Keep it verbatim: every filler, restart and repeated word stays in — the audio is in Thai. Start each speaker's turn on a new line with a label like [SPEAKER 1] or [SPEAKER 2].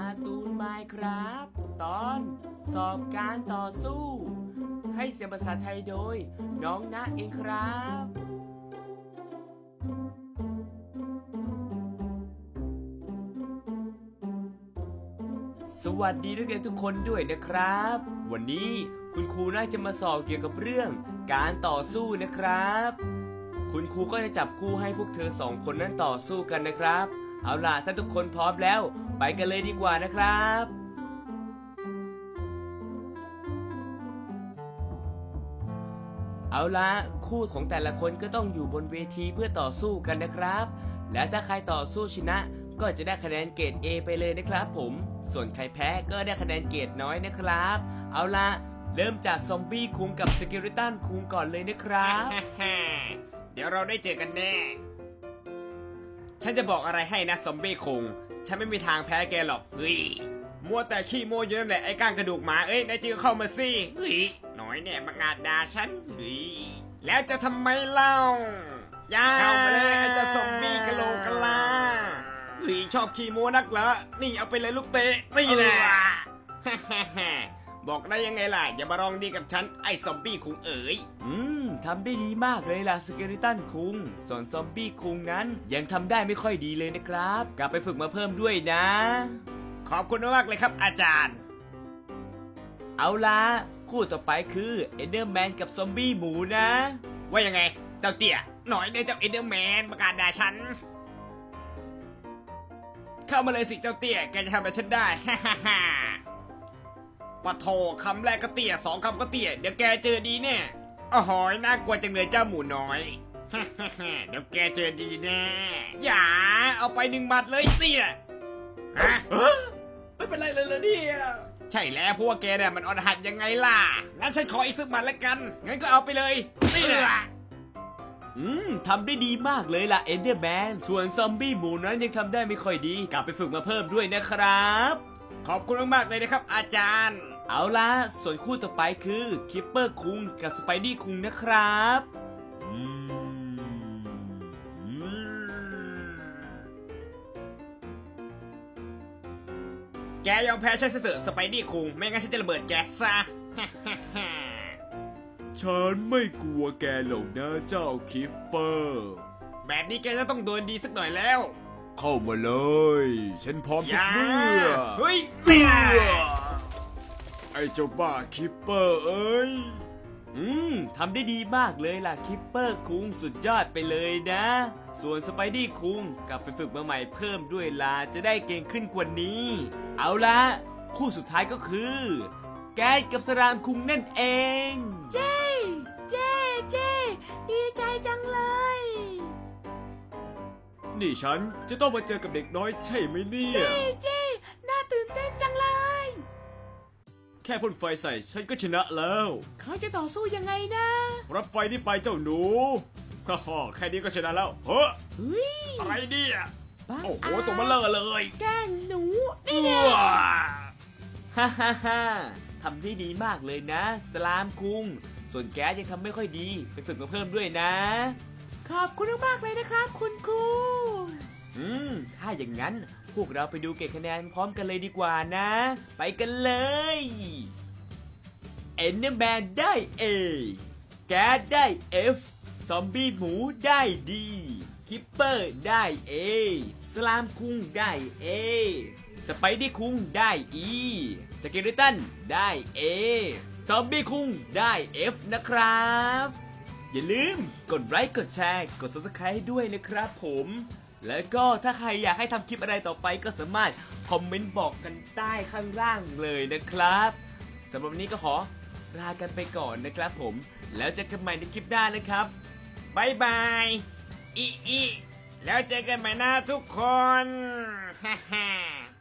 [SPEAKER 1] การ์ตูนไมน์ครับตอนสอบการต่อสู้ให้เสียงภาษาไทยโดยน้องณเองครับสวัสดีนักเรียนทุกคนด้วยนะครับวันนี้คุณครูน่าจะมาสอบเกี่ยวกับเรื่องการต่อสู้นะครับคุณครูก็จะจับคู่ให้พวกเธอสองคนนั้นต่อสู้กันนะครับเอาล่ะถ้าทุกคนพร้อมแล้วไปกันเลยดีกว่านะครับเอาล่ะคู่ของแต่ละคนก็ต้องอยู่บนเวทีเพื่อต่อสู้กันนะครับและถ้าใครต่อสู้ชนะก็จะได้คะแนนเกรด เอ ไปเลยนะครับผมส่วนใครแพ้ก็ได้คะแนนเกรดน้อยนะครับเอาล่ะเริ่มจากซอมบี้คุงกับสเกลิตันคุงก่อนเลยนะครับ
[SPEAKER 2] เดี๋ยวเราได้เจอกันแน่ฉันจะบอกอะไรให้นะซอมบี้คุงฉันไม่มีทางแพ้แกหรอกเฮ้ยมัวแต่ขี้โม้อยู่นั่นแหละไอ้ก้างกระดูกหมาเอ้ยนายจริงก็เข้ามาสิเฮ้ยหน่อยเนี่ยบังอาจด่าฉันเฮ้ยแล้วจะทำไมเล่าย่าเข้ามาเลยไอ้เจ้าซอมบี้กะโหลกกะลาเฮ้ยชอบขี้โม้นักเหรอนี่เอาไปเลยลูกเตะนี่แหละบอกได้ยังไงล่ะอย่ามาลองดีกับฉันไอ้ซอมบี้คุงเอ๋ย
[SPEAKER 1] อืมทำได้ดีมากเลยล่ะสเกลิตันคุงส่วนซอมบี้คุงนั้นยังทำได้ไม่ค่อยดีเลยนะครับกลับไปฝึกมาเพิ่มด้วยนะ
[SPEAKER 2] ขอบคุณมากเลยครับอาจารย์
[SPEAKER 1] เอาล่ะคู่ต่อไปคือเอเดอร์แมนกับซอมบี้หมูนะ
[SPEAKER 2] ว่ายังไงเจ้าเตี้ยหน่อยเนี่ยเจ้าเอเดอร์แมนประกาศด่าฉันเข้ามาเลยสิเจ้าเตี้ยแกจะทำอะไรฉันได้ฮ่าฮ่าฮ่าปะโถคำแรกก็เตี้ยสองคำก็เตี้ยเดี๋ยวแกเจอดีแน่อ๋อหอยน่ากลัวจังเลยเจ้าหมูน้อยฮ่าฮ่าฮ่าเดี๋ยวแกเจอดีแน่อย่าเอาไปหนึ่งหมัดเลยเตี้ยฮะ
[SPEAKER 1] ไม่เป็นไรเลยเลยเนี่ย
[SPEAKER 2] ใช่แล้วพวกแกเนี่ยมันอ่อนหัดยังไงล่ะงั้นฉันขออีกสักหมัดละกันงั้นก็เอาไปเลยนี่แหละ
[SPEAKER 1] อืมทำได้ดีมากเลยล่ะเอเดอร์แมนส่วนซอมบี้หมูนั้นยังทำได้ไม่ค่อยดีกลับไปฝึกมาเพิ่มด้วยนะครับ
[SPEAKER 2] ขอบคุณมากๆเลยนะครับอาจารย์
[SPEAKER 1] เอาล่ะส่วนคู่ต่อไปคือคิปเปอร์คุงกับสไปดี้คุงนะครับ
[SPEAKER 2] แกยอมแพ้ฉันเสือสไปดี้คุงไม่งั้นฉันจะระเบิดแกซะ
[SPEAKER 1] ฉันไม่กลัวแกหรอกนะเจ้าคิปเปอร์
[SPEAKER 2] แบบนี้แกจะต้องโดนดีสักหน่อยแล้ว
[SPEAKER 1] เข้ามาเลยฉันพร้อมทุกเมื่อ
[SPEAKER 2] เฮ้ยเนี่ย
[SPEAKER 1] ไอ้เจ้าบ้าคิปเปอร์เอ้ยอืมทำได้ดีมากเลยล่ะคิปเปอร์คุงสุดยอดไปเลยนะส่วนสไปดี้คุงกลับไปฝึกมาใหม่เพิ่มด้วยล่ะจะได้เก่งขึ้นกว่านี้เอาละคู่สุดท้ายก็คือแกดกับสรามคุงนั่นเอง
[SPEAKER 3] เจ้เจ้เจ้ดีใจจังเลย
[SPEAKER 1] นี่ฉันจะต้องมาเจอกับเด็กน้อยใช่ไหมเนี่ย
[SPEAKER 3] เจ้เจ้น่าตื่นเต้นจังเลย
[SPEAKER 1] แค่พ่นไฟใส่ฉันก็ชนะแล้ว
[SPEAKER 3] เขาจะต่อสู้ยังไงนะ
[SPEAKER 1] รับไฟนี่ไปเจ้าหนูฮ่าฮ่าแค่นี้ก็ชนะแล้วเฮ้
[SPEAKER 3] ย
[SPEAKER 1] อะไรเนี่ยโอ้โหตัวมันเลอะเลย
[SPEAKER 3] แกหนูนี่เนี่ย
[SPEAKER 1] ฮ่าฮ่าฮ่าทำได้ดีมากเลยนะสลามคุงส่วนแกยังทำไม่ค่อยดีไปฝึกมาเพิ่มด้วยนะ
[SPEAKER 3] ขอบคุณมากเลยนะครับคุณครู
[SPEAKER 1] อืมถ้าอย่างนั้นพวกเราไปดูเก็บคะแนนพร้อมกันเลยดีกว่านะไปกันเลยเอ็นเนอร์แมนได้ A แกดได้ F ซอมบี้หมูได้ดีคิปเปอร์ได้ A สลามคุงได้ A สไปดี้คุงได้ E สเกลิตันได้ A ซอมบี้คุงได้ F นะครับอย่าลืมกดไลค์กดแชร์กด ซับสไครบ์ ให้ด้วยนะครับผมแล้วก็ถ้าใครอยากให้ทำคลิปอะไรต่อไปก็สามารถคอมเมนต์บอกกันใต้ข้างล่างเลยนะครับสำหรับวันนี้ก็ขอลากันไปก่อนนะครับผมแล้วเจอกันใหม่ในคลิปหน้านะครับ
[SPEAKER 2] บายบายอีอีแล้วเจอกันใหม่นะทุกคนฮ่าฮ่า